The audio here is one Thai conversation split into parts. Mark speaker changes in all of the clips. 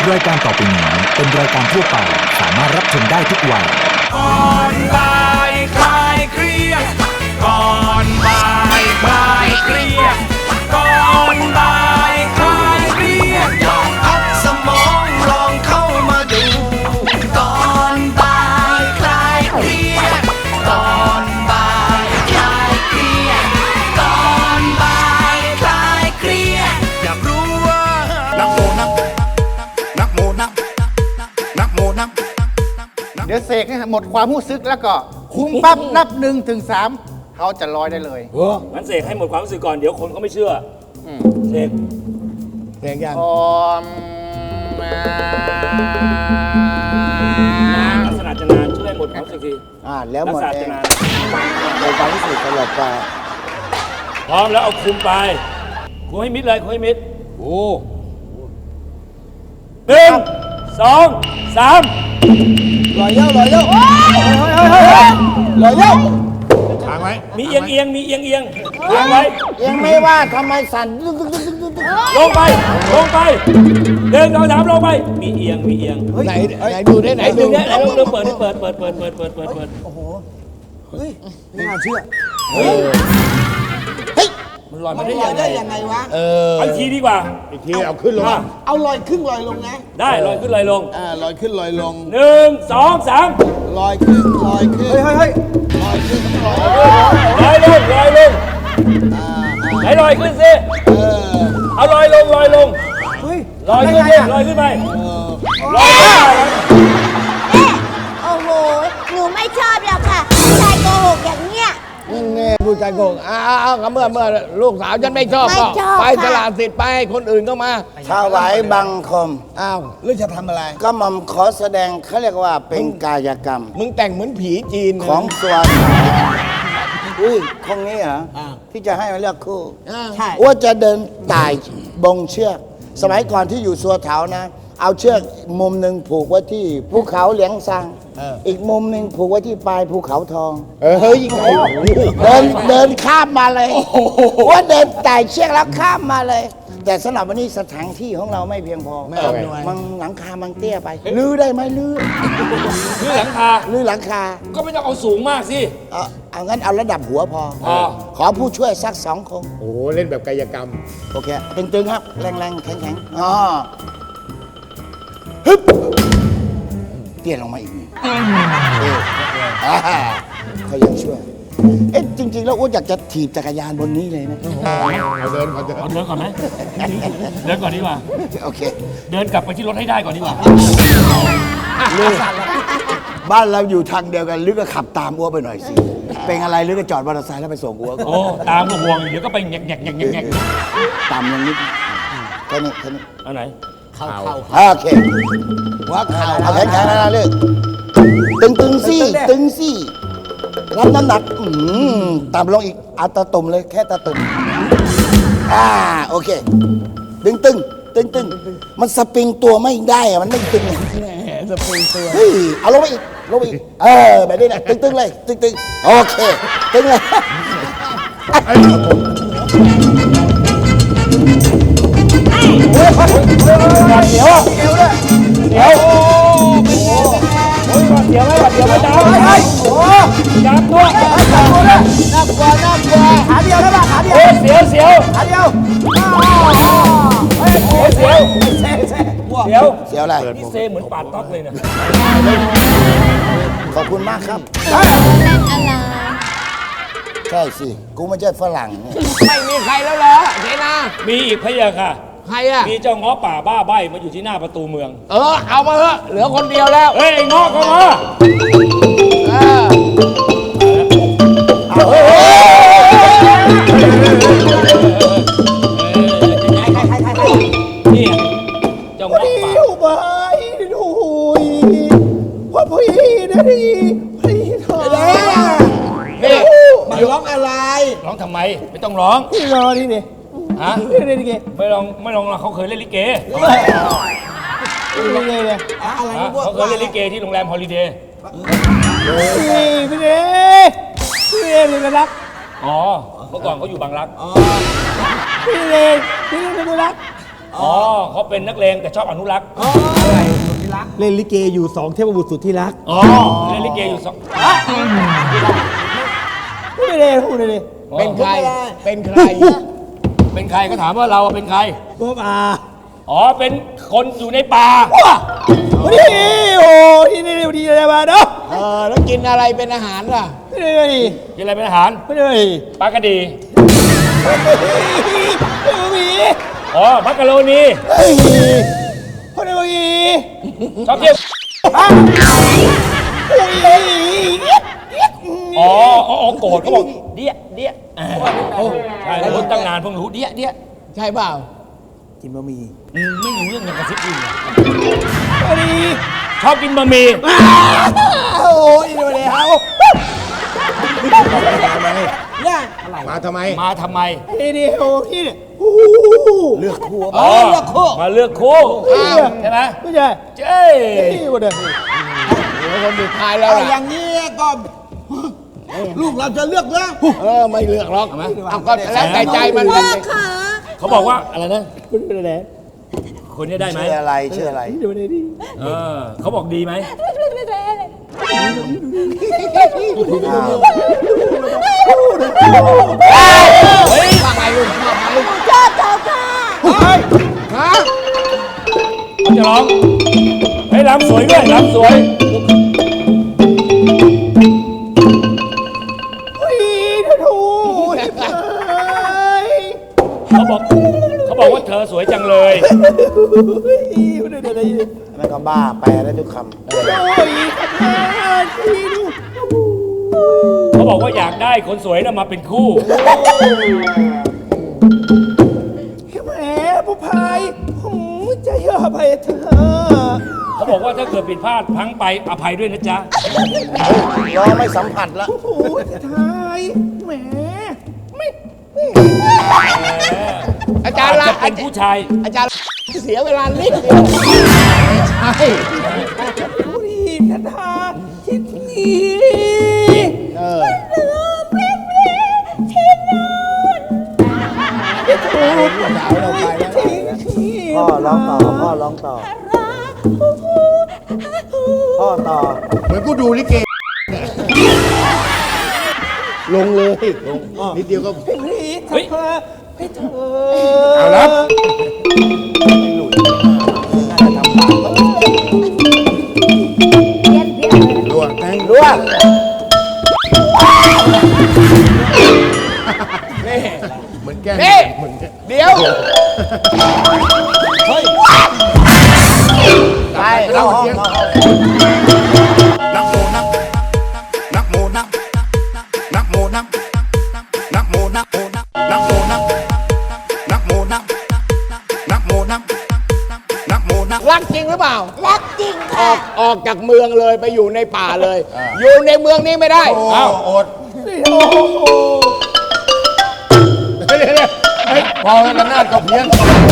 Speaker 1: รายการต่อไปนี้เป็นรายการทั่วไปสามารถรับชมได้ทุกวัย
Speaker 2: ก่อนบ่ายคลายเครียดก่อนบ่ายคลายเครียดก่อนบ่ายคลายเครียดลองพักสมองลองเข้ามาดูก่อนบ่ายคลายเครียดก่อนบ่ายคลายเครียดก่อนบ่ายคลายเครียดอยากรู้ว่านักโมนักโมนักโมนัก
Speaker 3: เดี๋ยวเสกให้หมดความรู้สึกแล้วก็คุ้มปั๊บนับ1 ถึง 3เขาจะลอยได้เลย
Speaker 4: งั้นเสกให้หมดความรู้สึกก่อนเดี๋ยวคนเขาไม่เชื่อเสก
Speaker 3: ยัง
Speaker 4: ลักษณะจะนานช่วยหมดความรู้สึกที
Speaker 3: แล้วหมด
Speaker 4: จะนาน
Speaker 3: ในความรู้สึกตลอดไป
Speaker 4: พร้อมแล้วเอาคุมไปคุมให้มิดเลยคุมให้มิดโอ้1 2 3
Speaker 3: ลอยเย้าลอยเย้าลอยเย้า
Speaker 5: ค้างไว้
Speaker 4: มีเอียงค้างไว้
Speaker 3: ยังไม่ว่าทำไมสั่น
Speaker 4: ลงไป1 2 3ลงไปมีเอียง
Speaker 5: ไหนดูได้ไหนดู
Speaker 4: เนี่ยเราเปิด
Speaker 3: โอ้โหเฮ้ยไม่น่าเชื่อ
Speaker 4: มันลอยมา
Speaker 3: ได้ยังไงวะ
Speaker 4: อีกทีดีกว่า
Speaker 5: อีกทีเอาขึ้นลง
Speaker 3: เอาลอยขึ้นลอยลงนะ
Speaker 4: ได้ลอยขึ้นลอยลง
Speaker 5: ลอยขึ้นลอยลง
Speaker 4: 1 2 3
Speaker 5: ลอยขึ้นลอยขึ้น
Speaker 3: เฮ้ย
Speaker 5: ลอยขึ้น
Speaker 4: ลอยลงไหนลอยขึ้นสิเอาลอยลง
Speaker 3: เฮ้ย
Speaker 4: ลอยขึ้นลอยขึ้นไปลอย
Speaker 6: โอ้โหหนูไม่ชอบหรอกค่ะผู้ชายโกหกอย่างเนี้ย
Speaker 5: นี่ผู้ชายโกงเมื่อลูกสาวฉันไม่ชอบก็ไปตลาดสิทธิ์ไปคนอื่นก็มา
Speaker 3: ถวายบังคม
Speaker 5: หรือจะทำอะไร
Speaker 3: ก็มัมขอแสดงเขาเรียกว่าเป็นกายกรรม
Speaker 5: มึงแต่งเหมือนผีจีน
Speaker 3: ของตัวคงนี้เหรอที่จะให้มาเลือกคู่ใช่ว่าจะเดินไต่บงเชือกสมัยก่อนที่อยู่สัวเถานะเอาเชือกมุมหนึ่งผูกไว้ที่ภูเขาเหลียงซังอีกมุมหนึ่งผูกไว้ที่ปลายภูเขาทอง
Speaker 5: เฮ้ย
Speaker 3: เดินข้ามมาเลยว่าเดินไต่เชือกแล้วข้ามมาเลยแต่สำหรับวันนี้สถานที่ของเราไม่เพียงพอมันหลังคามันเตี้ยไปลื้อได้ไหมลื้อ
Speaker 4: หลังคาก็ไม่ต้องเอาสูงมากสิ
Speaker 3: เอางั้นเอาระดับหัวพอขอผู้ช่วยสัก2 คน
Speaker 5: โอ้เล่นแบบกายกรรม
Speaker 3: โอเคตึงๆครับแรงๆแข็งเตี้ยลงมาอีกเขายังช่วยจริงๆแล้วอ้วนอยากจะถีบจักรยานบนนี้เลยนะ
Speaker 5: เดินก่
Speaker 4: อนไหมเดินก่อนดีกว่า
Speaker 3: โอเค
Speaker 4: เดินกลับไปที่รถให้ได้ก่อนดีกว่า
Speaker 3: บ้านเราอยู่ทางเดียวกันลึกก็ขับตามอ้วไปหน่อยสิเป็นอะไรลึกก็จอดมอเตอร์ไซค์แล้วไปส่งอ้ว
Speaker 4: โอ้ตามก็ห่วงเดี๋ยวก็ไปแงก
Speaker 3: ตามอย่างนี้แค่นี้
Speaker 4: อันไหน
Speaker 3: เข้าโอเคหัวเข่าเอาแขนๆนะเลยตึงซี่รับน้ำหนักต่ำลงอีกเอาตาตุ่มเลยแค่ตาตุ่มโอเคตึงมันสปริงตัวไม่ได้อะมันไม่ตึง
Speaker 5: สปริงตัว
Speaker 3: เฮ้ยเอาลงไปอีกแบบนี้นะตึงเลยตึงโอเคตึงเลยเดี๋ยวไม่ดาว
Speaker 4: จับตัว
Speaker 3: น่ากลัวขาเดียวได้ป่ะขาเดียว
Speaker 4: เสียว
Speaker 3: ขาเดียว
Speaker 4: เสียว
Speaker 3: อะไร
Speaker 4: นี่เซเหมือนปาดต๊อกเลยนะ
Speaker 3: ขอบคุณมากครับใช่สิกูไม่ใช่ฝรั่ง
Speaker 5: ไม่มีใครแล้วเหรอเจนา
Speaker 4: มีอีกพะยะค่ะ
Speaker 5: ใครอ่ะ
Speaker 4: มีเจ้าง้อป่าบ้าใบมาอยู่ที่หน้าประตูเมือง
Speaker 5: เอามาเถอะเหลือคนเดียวแล้ว
Speaker 4: เฮ้ยง้อก็มานี่เจ้าง้อป่า
Speaker 3: อยู่ไปดูว่าพี่นะดีพี่เถอะ
Speaker 4: นี่
Speaker 3: มาร้องอะไร
Speaker 4: ร้องทำไมไม่ต้องร้อง
Speaker 3: พี่รอที่นี่
Speaker 4: เล่นลิเกไม่ลองเขาเคยเล่นลิเก
Speaker 3: เลย
Speaker 4: เขาเคยเล่นลิเกที่โรงแรมฮอลิเดย์
Speaker 3: พี่เดเลยรัก
Speaker 4: เมื่อก่อนเขาอยู่บางรัก
Speaker 3: พี่เดรัก
Speaker 4: อ๋อเขาเป็นนักเลงแต่ชอบอนุรักษ์
Speaker 1: เล่นลิเกอยู่สองเทพบุตรสุดที่รัก
Speaker 4: อ๋อเล่นลิเกอยู่สอง
Speaker 1: พูดเลยพูดเลย
Speaker 5: เป็นใคร เป็นใคร
Speaker 4: เป็นใครก็ถามว่าเราเป็นใคร
Speaker 1: พวกอา
Speaker 4: อ๋อเป็นคนอยู่ในป่า
Speaker 1: นี่โอ้ที่นี่ดีอะไรมาเนาะ
Speaker 5: แล้วกินอะไรเป็นอาหารล่ะ
Speaker 1: นี่นี่
Speaker 4: กินอะไรเป็นอาหาร
Speaker 1: ไม่ได้ไม่
Speaker 4: ปลากระดี
Speaker 1: มี
Speaker 4: อ๋อมักกะโรนี
Speaker 1: คนไม่มี
Speaker 4: ชอบเที่ยวอ๋อโกรธเขาบอกเดี้ยใช่แล้วตั้งนานเพิ่งรู้เดี้ย
Speaker 5: ใช่เปล่า
Speaker 1: กินบะหมี่
Speaker 4: ไม่รู้เรื่องอย่างกระซิบอื่น
Speaker 1: ไม่ดี
Speaker 4: ชอบกินบะหมี่
Speaker 1: โอ้ยดูเลยเขา
Speaker 5: เนี่ยมาทำไม
Speaker 4: มาทำไม
Speaker 1: นี่นี่โอ้ที่เนี่ยเลือกคู่
Speaker 4: อ๋อมาเลือกคู่ใช่ไหม
Speaker 1: ไม่ใช่
Speaker 4: เจ้
Speaker 1: นี่วันเดียว
Speaker 5: เดี๋ยวคนสุดท้ายแล้วล่ะ
Speaker 7: อย่างนี้ก็ลูกเราจะเลือกนะ
Speaker 5: ไม่เลือกหรอกเอาก็แล้วแต่ใจมัน
Speaker 6: พ่อขา
Speaker 4: เขาบอกว่าอะไรนะ
Speaker 1: คุณเป็นอะไร
Speaker 4: คนนี้ได้ไหม
Speaker 3: ชื่ออะไรชื่ออะไร
Speaker 1: ดูนี่ดิ
Speaker 4: เขาบอกดีไหม เฮ้ย
Speaker 5: ว่าไงลูกชอบไหม
Speaker 6: ชอบเขาค่ะ
Speaker 5: ฮะ
Speaker 4: เขาจะร้องเฮ้ยรำสวยด้วยรำสวย
Speaker 1: เฮ้ยถูก
Speaker 4: เขาบอกว่าเธอสวยจังเลย
Speaker 3: มันก็บ้าแปลได้ทุกค
Speaker 4: เขาบอกว่าอยากได้คนสวยน่ะมาเป็นคู่
Speaker 1: แหมผู้พายใจเย็นไปเถอะ
Speaker 4: เขาบอกว่าถ้าเกิดผิดพลาดพลั้งไปอภัยด้วยนะจ๊ะ
Speaker 3: ำร้องไม่สัมผัสละ
Speaker 1: โอ้ยทายแหม
Speaker 5: อาจารย์ละ
Speaker 4: จะเป็นผู้ชาย
Speaker 5: อาจารย์เสียเวลานิดเดียวใช่
Speaker 1: ผู้ดีทันทาคิดดี
Speaker 3: พ่อร้องต่อพ่อร้องต่อพ่อต่อ
Speaker 7: เหมือนกูดูลิเก ลงเลยลงนิดเดียวก็
Speaker 1: พี่ทำพาให้เธอ
Speaker 7: เอาละ รัวแตง
Speaker 3: รัว
Speaker 7: เหมือนแก้ม
Speaker 5: นี่
Speaker 7: เหมือนแก้ม
Speaker 5: เดี๋ยว
Speaker 3: ไปเข้าห้อง
Speaker 2: นักโมนักนักโมนักนักโมนักนักโมนักโมนักนักโมนักนักโมนักนักโมนักนักโมนัก
Speaker 5: รักจริงหรือเปล่า
Speaker 6: รักจริง
Speaker 5: อ
Speaker 6: ค่ะ
Speaker 5: อกจากเมืองเลยไปอยู่ในป่าเลย อยู่ในเมืองนี้ไม่ได้
Speaker 7: อ้าวอดพอแล้วนาดก็เพี้ยน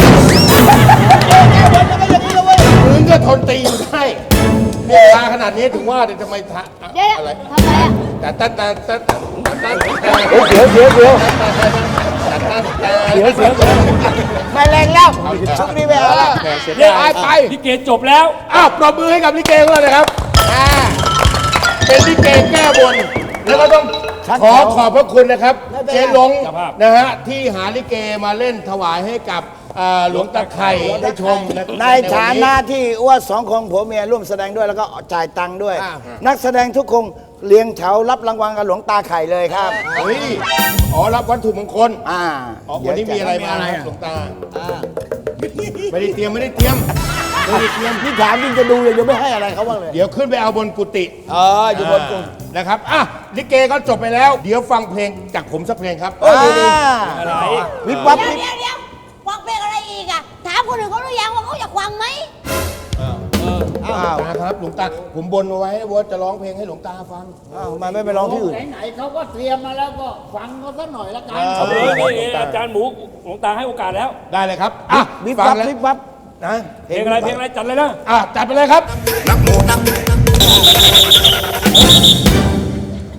Speaker 7: มึงก็ทนตีอยู่ได้เนี่ยตาขนาดนี้ถึงว่าเดี๋ยวทำไมทะ
Speaker 6: เดี๋ยว
Speaker 7: อะไร
Speaker 6: ทำไมอ่ะ
Speaker 7: แต่
Speaker 3: เสียวเสียวเสียว
Speaker 5: ไม่แรงแล้วชุดนี้ไปเอาละ
Speaker 4: เนี่ย
Speaker 5: ไป
Speaker 4: ลิเกจบแล้ว
Speaker 7: อ้าวปรบมือให้กับลิเกของเราเลยครับ เป็นลิเกแก้บน แล้วก็ต้องขอบพระคุณนะครับ เจ๊ลง
Speaker 4: เจ้าภาพ
Speaker 7: นะฮะที่หาลิเกมาเล่นถวายให้กับหลวงตาไข่ได้ชมะ
Speaker 3: ในฐานะที่อ้วนสองคนผัวเมียร่วมแสดงด้วยแล้วก็จ่ายตังค์ด้วย นักแสดงทุกคนเลี้ยงแถวรับรางวัลกับหลวงตาไข่เลยครับ
Speaker 7: เฮ้ยอ๋อรับวัตถุมงคล
Speaker 3: อ่า
Speaker 7: อ๋อวันนี้มีอะไรมาครับหลวงตาไม่ได้เตรียมไม่ได้เตรียม
Speaker 3: พี่ถามจริงจะดูเลยยังไม่ให้อะไรเขาบ้างเลย
Speaker 7: เดี๋ยวขึ้นไปเอาบนกุฏิ
Speaker 3: อยู่บนกลุ่ม
Speaker 7: นะครับอ่ะลิเกก็จบไปแล้ว เดี๋ยวฟังเพลงจากผมสักเพลงครับ
Speaker 4: อะไร
Speaker 3: วิบวับ
Speaker 6: เดี๋ยวฟังเพลงอะไรอีกอ่ะ ถามคนอื่นเขาหรือยังว่าเขาอยากฟังไหม
Speaker 7: หลวงตาครับหลวงตาผมบนเอาไว้ว่าจะร้องเพลงให้หลวงตาฟัง
Speaker 3: อ้าวทำไมไม่ไปร้องที่อื่น
Speaker 7: ไหนๆเขาก็เตรียมมาแล้วก็ฟังเขาสักหน่อยละกัน
Speaker 4: เอาเลยนี่อาจารย์หมูหลวงตาให้โอกาสแล้ว
Speaker 7: ได้เลยครับอ่ะ
Speaker 3: วิบ
Speaker 7: ฟั
Speaker 3: วั
Speaker 7: ง
Speaker 3: บ
Speaker 7: แล้ว
Speaker 3: วิบวับ
Speaker 7: นะ
Speaker 4: เพลงอะไรจัดเลยนะ
Speaker 7: จัดไปเลยครับ
Speaker 2: นักโมนัก
Speaker 7: ช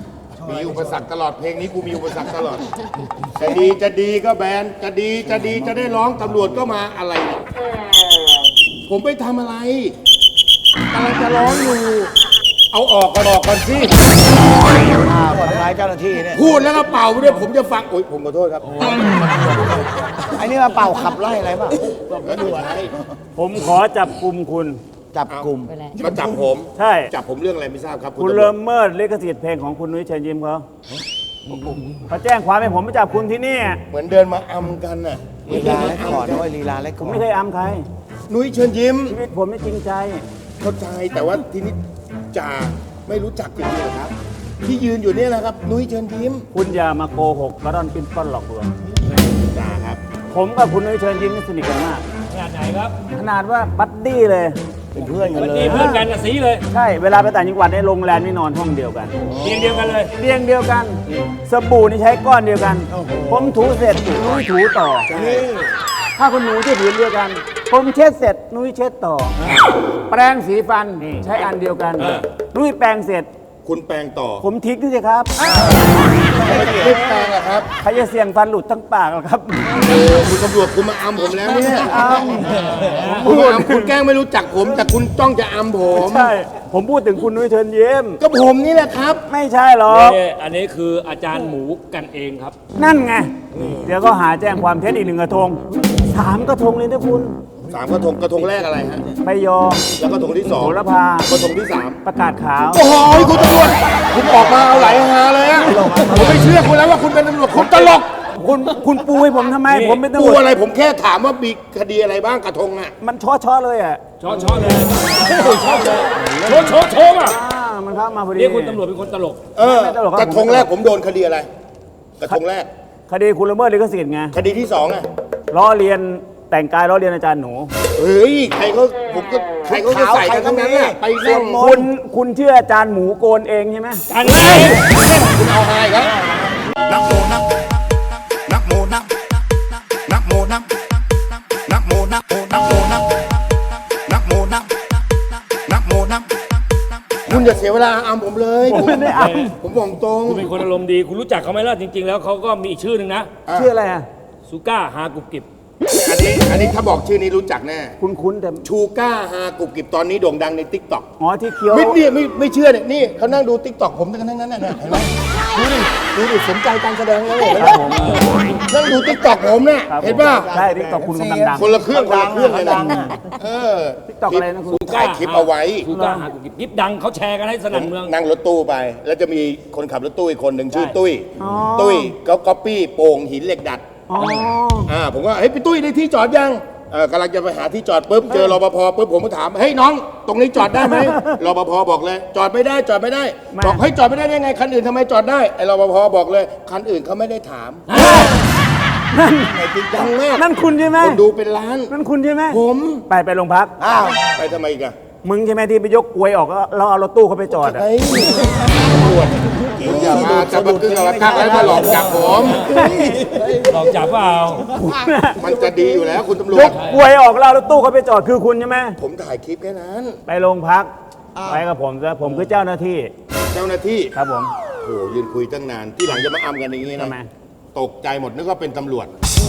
Speaker 7: มีอุปสรรคตลอดเพลงนี้กูมีอุปสรรคตลอด จะดีก็แบนจะดีจะได้ร้องตำรวจก็มาอะไรเนี่ยผมไปทำอะไรกำลังจะร้องอยู่ เอาออกก่อนสิ
Speaker 5: ทำร้ายเจ้าหน้าที่เนี่ย
Speaker 7: พูดแล้วก็เป่าไปด้วยผมจะฟังโอ๊ยผมขอโทษครับ
Speaker 5: ไอ้นี่มาเป่าขับไล่อะไรบ้าง
Speaker 4: ผมขอจับกลุ่มคุณ
Speaker 5: จับกลุ่ม
Speaker 7: มาจับผม
Speaker 4: ใช่
Speaker 7: จับผมเรื่องอะไรไม่ทราบครับ
Speaker 4: คุณ
Speaker 7: ตำรว
Speaker 4: เริ่
Speaker 7: จ
Speaker 4: มเมิดลิขสิทธิ์เพลงของคุณนุ้ยเชิญยิ้มเขาแจ้งความให้ผมไปจับคุณที่นี่
Speaker 7: เหมือนเดินมาอำกันน่ะ
Speaker 5: ลีลาและก่อนด้วยลีลาและ
Speaker 4: ผ
Speaker 5: ก่
Speaker 4: ม
Speaker 5: อน
Speaker 4: ไม่เคยอำใคร
Speaker 7: นุ้ยเชิญยิ้ม
Speaker 4: ชีวิตผมไม่จริงใจ
Speaker 7: เข้าใจแต่ว่าทีนี้จ่าไม่รู้จักจริงๆเหรอครับ ที่ยืนอยู่เนี่ยนะครับ นุ้ยเชิญยิ้ม
Speaker 4: คุณอย่ามาโกหกกระดอนปิ้นป้อนหลอกลวง
Speaker 7: จ่าครับ
Speaker 4: ผมกับคุณนุ้ยเชิญยิ้มนี่สนิทกันมาก
Speaker 8: ขนาดไหนครับ
Speaker 4: ขนาดว่าบัดดี้เลย
Speaker 5: เป็นเพื่อนกันเลย
Speaker 8: นี่เพื่อนกันกับสีเลย
Speaker 4: ใช่ เวลาไปต่างจังหวัดในโรงแรมนี่นอนห้องเดียวกัน
Speaker 8: เตียงเดียวกันเลย
Speaker 4: เตียงเดียวกัน สบู่นี่ใช้ก้อนเดียวกัน ผมถูเสร็จนุ้ยถูต่อ ถ้าคุณหนูที่ผืนเดียวกัน ผมเช็ดเสร็จนุ้ยเช็ดต่อ แปรงสีฟันใช้อันเดียวกัน นุ้ยแปรงเสร็จ
Speaker 7: คุณแปลงต่อ
Speaker 4: ผมทิ้งด้วยสิครับ
Speaker 7: ไม่แปลงอะครับ
Speaker 4: ใครจะเสี่ยงฟันหลุดทั้งปากหรอครับ
Speaker 7: คุณตำรวจคุณมาอำผมแล้วเนี่ย
Speaker 4: อ้าว
Speaker 7: คุณมาอำคุณแกล้งไม่รู้จักผม แต่คุณจ้องจะอำผม
Speaker 4: ใช่ ผมพูดถึงคุณนุ้ยเชิญยิ้ม
Speaker 7: ก็ผมนี่แหละครับ
Speaker 4: ไม่ใช่หรอก
Speaker 8: นี่อันนี้คืออาจารย์หมูกันเองครับ
Speaker 4: นั่นไง เดี๋ยวก็หาแจ้งความเท็จอีก1 กระทง 3 กระทงเลยนะคุณ
Speaker 7: 3 กระทงแรกอะไรฮะ
Speaker 4: ไปยอ
Speaker 7: แล้วกระทงที่
Speaker 4: โห
Speaker 7: 2
Speaker 4: ระพาก
Speaker 7: ระทงที่
Speaker 4: ประกาศขาว
Speaker 7: 3 โอ้โหคุณตำรวจคุณออกมาเอาไหลหาเลยอะผมไม่เชื่อคุณแล้วว่าคุณเป็นตำรวจคุณตลก
Speaker 4: คุณปูให้ผมทำไม ผมเป็นตำร
Speaker 7: กู
Speaker 4: วจ
Speaker 7: อะไรผมแค่ถามว่ามีคดีอะไรบ้างกระทงอะ
Speaker 4: มันช้อเลยอ่ะ
Speaker 8: ชอเลยชอเลยโชว์อ่ะ
Speaker 4: มันเข้ามาพอดี
Speaker 8: นี่คุณตำรวจเป็นคนตลก
Speaker 4: ไม่ตลกครับ
Speaker 7: กระทงแรกผมโดนคดีอะไร กระทงแรก
Speaker 4: คดีคุณละเมิดลิขสิทธิ์ไง
Speaker 7: คดีที่2อะ
Speaker 4: ล้อเลียนแต่งกายล้อเลียนอาจารย์หนู
Speaker 7: เฮ้ยใครเขาก็ใส่กันทั้งนั้นน่ะไปนั่ง
Speaker 4: คุณเชื่ออาจารย์หมูโกนเองใช่ไหม
Speaker 8: อันนี้
Speaker 7: คุณเอาอะไรครับ
Speaker 2: นักโมนักนักโมนักนักโมนักนักโมนักนักโมนักนักโมนักนักโมนัก
Speaker 7: คุณอย่าเสียเวลาอำผมเลย
Speaker 4: ผมไม่ได้อ้
Speaker 7: ผมบอกตรง
Speaker 8: คุณเป็นคนอารมณ์ดี คุณรู้จักเขาไหมล่ะ จริง ๆ แล้วเขาก็มีอีกชื่อหนึ่งนะ
Speaker 4: ชื่ออะไรอ่ะ
Speaker 8: ซูก้าฮากุบกิบ
Speaker 7: อันนี้ถ้าบอกชื่อนี้รู้จักแน่
Speaker 4: คุ้นแต่
Speaker 7: ชูก้าฮากุบกิบตอนนี้โด่งดังในติ๊กต็อก
Speaker 4: อ๋อที่เคี้ยว
Speaker 7: ไม่เชื่อเนี่ยนี่เขานั่งดูติ๊กต็อกผมกันทั้งนั้นน่ะเห็นไหมดูดิสนใจการแสดงเลยเห็นไหมนั่งดูติ๊กต็อกผมเนี่ย
Speaker 4: ครับผม
Speaker 7: เห็นป่ะ
Speaker 4: ใช่ที่ตอกคุณกำลังดัง
Speaker 7: คนละเครื่องเลยนะเออ
Speaker 4: ติ๊กต็อกอะไรนะคุณ
Speaker 7: ถ่ายคลิปเอาไว้
Speaker 8: ซูก้าฮากุบกิบคลิปดังเขาแชร์กันให้สนั่นเมือง
Speaker 7: นั่งรถตู้ไป แล้วจะมีคนขับรถตู้อีกคนหนึ่งชื่อ
Speaker 8: ใช่
Speaker 7: ตุ้ย ตุ้ยก็ก๊อปปี้โป่งหินเหล็กดัด
Speaker 4: อ๋อ
Speaker 7: ผมก็เฮ้ยพี่ตุ้ยได้ที่จอดยังกำลังจะไปหาที่จอดปุ๊บเจอรปภปุ๊บผมก็ถามเฮ้ยน้อง ตรงนี้จอดได้ไหม รปภบอกเลย จอดไม่ได้จอดไม่ได้ บอกเฮ้ยจอดไม่ได้ได้ไงคันอื่นทำไมจอดได้ไอ้รปภบอกเลยคันอื่นเขาไม่ได้ถามจริงจังมาก
Speaker 4: นั่นคุณใช่ไหม
Speaker 7: คนดูเป็นล้าน
Speaker 4: นั่นคุณใช่ไหม
Speaker 7: ผม
Speaker 4: ไปโรงพัก
Speaker 5: อ้าว
Speaker 7: ไปทำไมอีกอะ
Speaker 4: มึงใช่ไหมที่ไปยกกลวยออกแล้วเอารถตู้เขาไปจอดอ่ะ
Speaker 7: เฮ้ยตำรวจอย่ามาจะมากึ่งอะไรกักแล้วมาหลอกจับผม
Speaker 8: หลอกจับเปล่า
Speaker 7: มันจะดีอยู่แล้วคุณตำร
Speaker 4: ยว
Speaker 7: จ
Speaker 4: กกลวยออกแล้วเอารถตู้เขาไปจอดคือคุณใช่ไหม
Speaker 7: ผมถ่ายคลิปแค่นั้น
Speaker 4: ไปโรงพัก ไปกับผมซะผมคือเจ้าหน้าที่
Speaker 7: เจ้าหน้าที่
Speaker 4: ครับผม
Speaker 7: โอ้ยืนคุยตั้งนาน ที่หลังจะมาอำกันอย่างนี้
Speaker 4: ทำไม
Speaker 7: นะ ตกใจหมดนึกว่าเป็นตำรวจ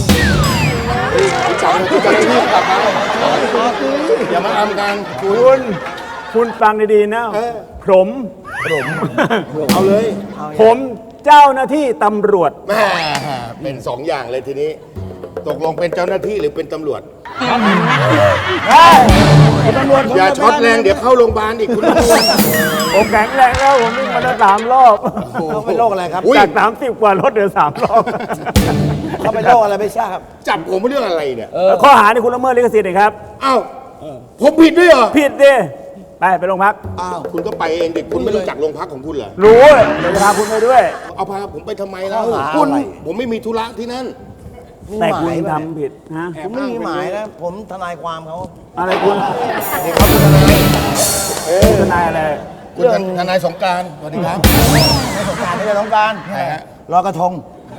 Speaker 7: จับที่เจ้าหน้าที่กลับมาอย่ามาอำกันคุณ
Speaker 4: คุณฟังดีๆนะ ผม
Speaker 7: เอาเลย
Speaker 4: ผมเจ้าหน้าที่ตำรวจ
Speaker 7: แม่เป็นสองอย่างเลยทีนี้ ตกลงเป็นเจ้าหน้าที่หรือเป็นตำรวจ
Speaker 4: ตำรวจ
Speaker 7: อย่าช็อตแรงเดี๋ยวเข้าโรงพยาบาลอีกคุณตำรวจ
Speaker 4: ผมแข็งแรงแล้วผมวิ่งมาได้3 รอบ
Speaker 5: เขาเป็นโรคอะไรครับ
Speaker 7: อุ๊ย
Speaker 4: จาก30 กว่ารถเหลือ3 รอบ
Speaker 5: เขาเป็นโรคอะไรไม่ทราบ
Speaker 7: จับผมเรื่องอะไรเนี่ย
Speaker 4: ข้อหานี่คุณละเมิดลิขสิทธิ์นะครับ
Speaker 7: อ้าวผมผิดด้วยเหรอ
Speaker 4: ผิดดิไปโรงพัก
Speaker 7: อ้าวคุณก็ไปเองดิคุณไม่รู้จักโรงพักของคุณเหรอ
Speaker 4: รู้เดี๋ยวจะพาคุณไปด้วย
Speaker 7: เอาพาผมไปทำไมแล้ว
Speaker 5: ข้อหา
Speaker 7: คุณ
Speaker 5: อะไร
Speaker 7: ผมไม่มีธุระที่นั่น
Speaker 4: แต่คุณทำผิดฮะ
Speaker 5: ผมไม่มีหมายนะ ผมทนายความเขา
Speaker 4: อะไรคุณ
Speaker 5: เด็กเขาเป็นอะไร
Speaker 4: ทนายอะไร
Speaker 7: คุณทนายสงกรานต์สวัสดีครับ
Speaker 5: ไม่สงการไม่ได้สงการ
Speaker 7: ใช่ฮะ
Speaker 5: ลอยกระทง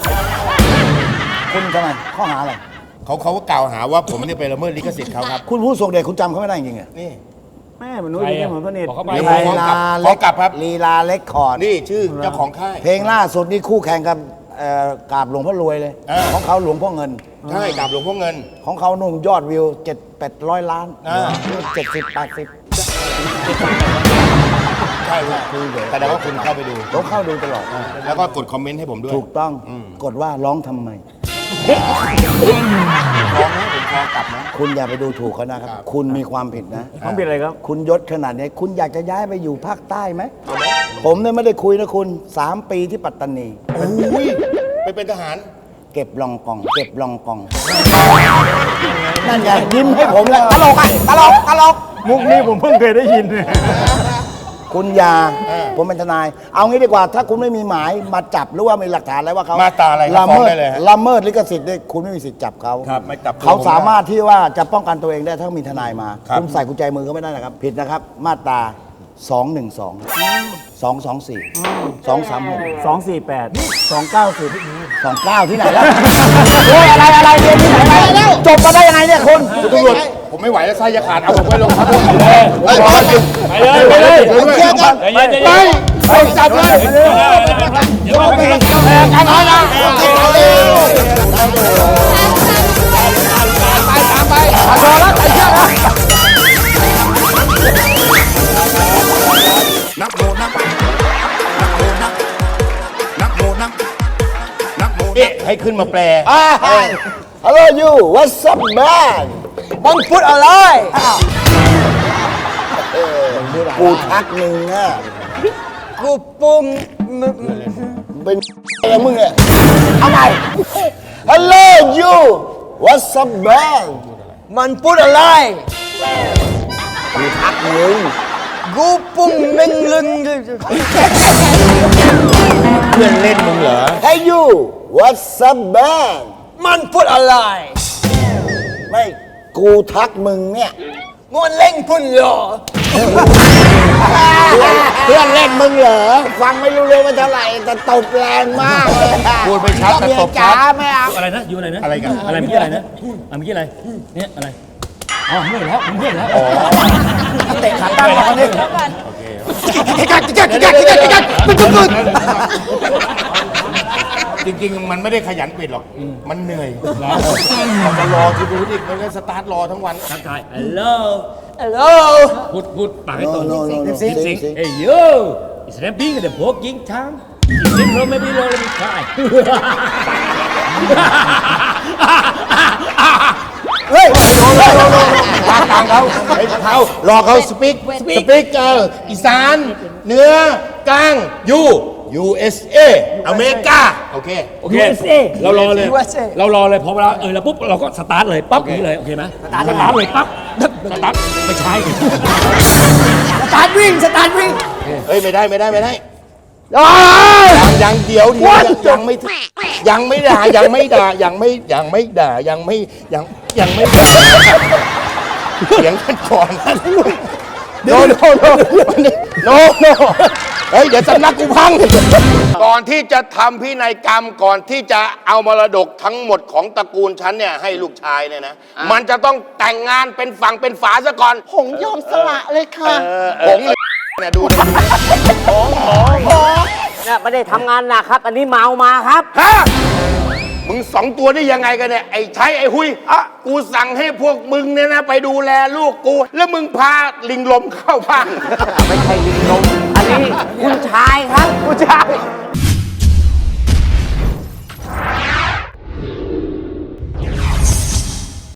Speaker 5: คุณทำไมข้อหาอะไร
Speaker 7: เขาก็กล่าวหาว่าผมเนี่ยไปละเมิดลิขสิทธิ์เขาครับ
Speaker 5: คุณผู้ทรงเดชคุณจำเขาไม่ได้จริงๆเหรอ
Speaker 7: นี่
Speaker 4: แม่มันนุ้ยจริงๆผมสนิท
Speaker 8: บอกเข้าไป
Speaker 7: เดี๋ยว
Speaker 3: ลีลา
Speaker 7: ขอกลับครับ
Speaker 3: ลีลาเล็กคอร์ด
Speaker 7: นี่ชื่อเจ้าของค่าย
Speaker 3: เพลงล่าสุดนี่คู่แข่งกับกราบหลวงพ่อรวยเลย ของเขาหลวงพ่อเงิน
Speaker 7: ใช่กับหลวงพ่อเงิน
Speaker 3: ของเขานุ่มยอดวิว 700-800 ล้าน 70-80
Speaker 7: ใช่ครับแต่ว่าคุณเข้าไปดู
Speaker 3: ผมเข้าดูตลอด
Speaker 7: แล้วก็กดคอมเมนต์ให้ผมด้วย
Speaker 3: ถูกต้องกดว่าร้องทำไม
Speaker 7: ร้องนะผมพอกลับนะ
Speaker 3: คุณอย่าไปดูถูกเขานะครับ คุณมีความผิดนะ
Speaker 4: ต้องเป็นอะไรครับ
Speaker 3: คุณยศขนาดนี้ คุณอยากจะย้ายไปอยู่ภาคใต้ไหม ผมเนี่ยไม่ได้คุยนะคุณ 3 ปีที่ปัตตานี
Speaker 7: โอ้ยไปเป็นทหาร
Speaker 3: เก็บลองกอง เก็บลองกอง นั่นไงยิ้มให้ผมแล้วตลกอ่ะตลกตลก
Speaker 4: มุกนี้ผมเพิ่งเคยได้ยิน
Speaker 3: คุณอยาผมเป็นทนาย เอางี้ดีกว่า ถ้าคุณไม่มีหมายมาจับหรือว่ามีหลักฐานอะไรว่าเขา
Speaker 7: มาตราอะไรครับ
Speaker 3: ละ
Speaker 7: ฟ้อง
Speaker 3: เมิด
Speaker 7: ได้เลยฮะ
Speaker 3: ละเมิดลิขสิทธิ์เนี่ยคุณไม่มีสิทธิ์จับเขา
Speaker 7: ครับไม่จับตัว
Speaker 3: เขา
Speaker 7: ผมได้
Speaker 3: สามารถที่ว่าจะป้องกันตัวเองได้ถ้ามีทนายมา
Speaker 7: ครับ
Speaker 3: คุณใส่กุญแจมือเขาไม่ได้นะครับ ผิดนะครับ มาตรา 212 224 236
Speaker 4: 248 290
Speaker 3: 29 ที่ไหนแล้วโอ้ยอะไรเรียนที่ไหนมาแล้วจบมาได้ยังไงเนี่ยคุณ
Speaker 7: คุณตำรวจผมไม่ไหวแล้วไส้จะขาดเอาผมไปลงพักเลย
Speaker 8: ไปเลย
Speaker 7: เคลียร์กัน
Speaker 8: ใจเย็นใจ
Speaker 7: ไป
Speaker 8: เย็น
Speaker 7: ไปจับเลย
Speaker 8: เดี๋ยวไปกัน
Speaker 7: กันน้อยนะตามไปพอแล้วใส่เชือกแล้วนักโมนักให้ขึ้นมาแปล
Speaker 3: Hello you what's up man
Speaker 1: มึงพูดอะไร
Speaker 3: กูทักมึงอ่ะ
Speaker 1: กูปุ่มมึง
Speaker 3: เป็นอะไรมึงเนี่ยเอาใหม่ Hello you what's up man
Speaker 1: มันพูดอะไร
Speaker 3: กูทักมึง
Speaker 1: กูปุ่มมึงลึง
Speaker 7: เพื่อนเล่นมึงเหรอ
Speaker 3: Hey you what's up man
Speaker 1: มันพูดอะไร
Speaker 3: ไม่กูทักมึงเนี่ย
Speaker 1: มันเล่งพุ่นเหรอ
Speaker 3: เพื่อนเล่นมึงเหรอ ฟังไม่รู้เลยว่าเท่าไหร่แต่ตบแรงมากเลย
Speaker 7: พูดไม่ชัดแต่ตบชัด
Speaker 3: เมียจ๋าไม่เอา
Speaker 8: อะไรนะอยู่อะไรนะ
Speaker 7: อะไรกัน
Speaker 8: อะไรเมื่อกี้อะไรนะเมื่อกี้อะไรเนี่ยอะไรอ๋อเมื่อยแล้วผมเมื่อยแล้ว
Speaker 3: เตะขาตั้งมาคนนี้
Speaker 7: จริงๆ มันไม่ได้ขยันปิดหรอก มันเหนื่อยมันจะรอที่ดูดิมันก็สตาร์ทรอทั้งวัน
Speaker 8: ทักทายฮัลโหล
Speaker 1: ฮัลโหล
Speaker 8: พูดปากให้ตรง
Speaker 3: สิง
Speaker 8: สิงเอ้ยโย it's rapping the walking time it's in room maybe low let me try
Speaker 3: เฮ้ย
Speaker 7: ตามเขาไอ้เขารอเขาสปิกอีสานเหนือกลางUSA อเมริกา โอเค
Speaker 8: โอเคเรารอเลยพอเวลาแล้วปุ๊บเราก็สตาร์ทเลยปั๊บอย่างนี้เลยโอเคไหมสตาร์ทเลยปั๊บสตาร์ทไม่ใช่
Speaker 1: สตาร์ทวิ่ง
Speaker 7: เฮ้ย ไม่ได้ยังเดี๋ยวยังไม่ด่ายังไม่ด่าเสียงกันก่อนโนเฮ้ยเดี๋ยวสำนักกูพังก่อนที่จะทำพินัยกรรมก่อนที่จะเอามรดกทั้งหมดของตระกูลฉันเนี่ยให้ลูกชายเนี่ยนะมันจะต้องแต่งงานเป็นฝั่งเป็นฝาซะก่อน
Speaker 6: ผงยอมสละเลยค่ะ
Speaker 7: ผงเนี่ยดูดิ
Speaker 9: เนี่ยไม่ได้ทำงานหนักครับ อันนี้เมามาครับ
Speaker 7: ฮะมึงสองตัวได้ยังไงกันเนี่ยไอ้ใช้ไอ้หุยกูสั่งให้พวกมึงเนี่ยนะไปดูแลลูกกู แล้วมึงพาลิงลมเข้าบ้าน
Speaker 9: ไม่ใช่ลิงลมอันนี้คุณชายครับ
Speaker 7: ผู้ชาย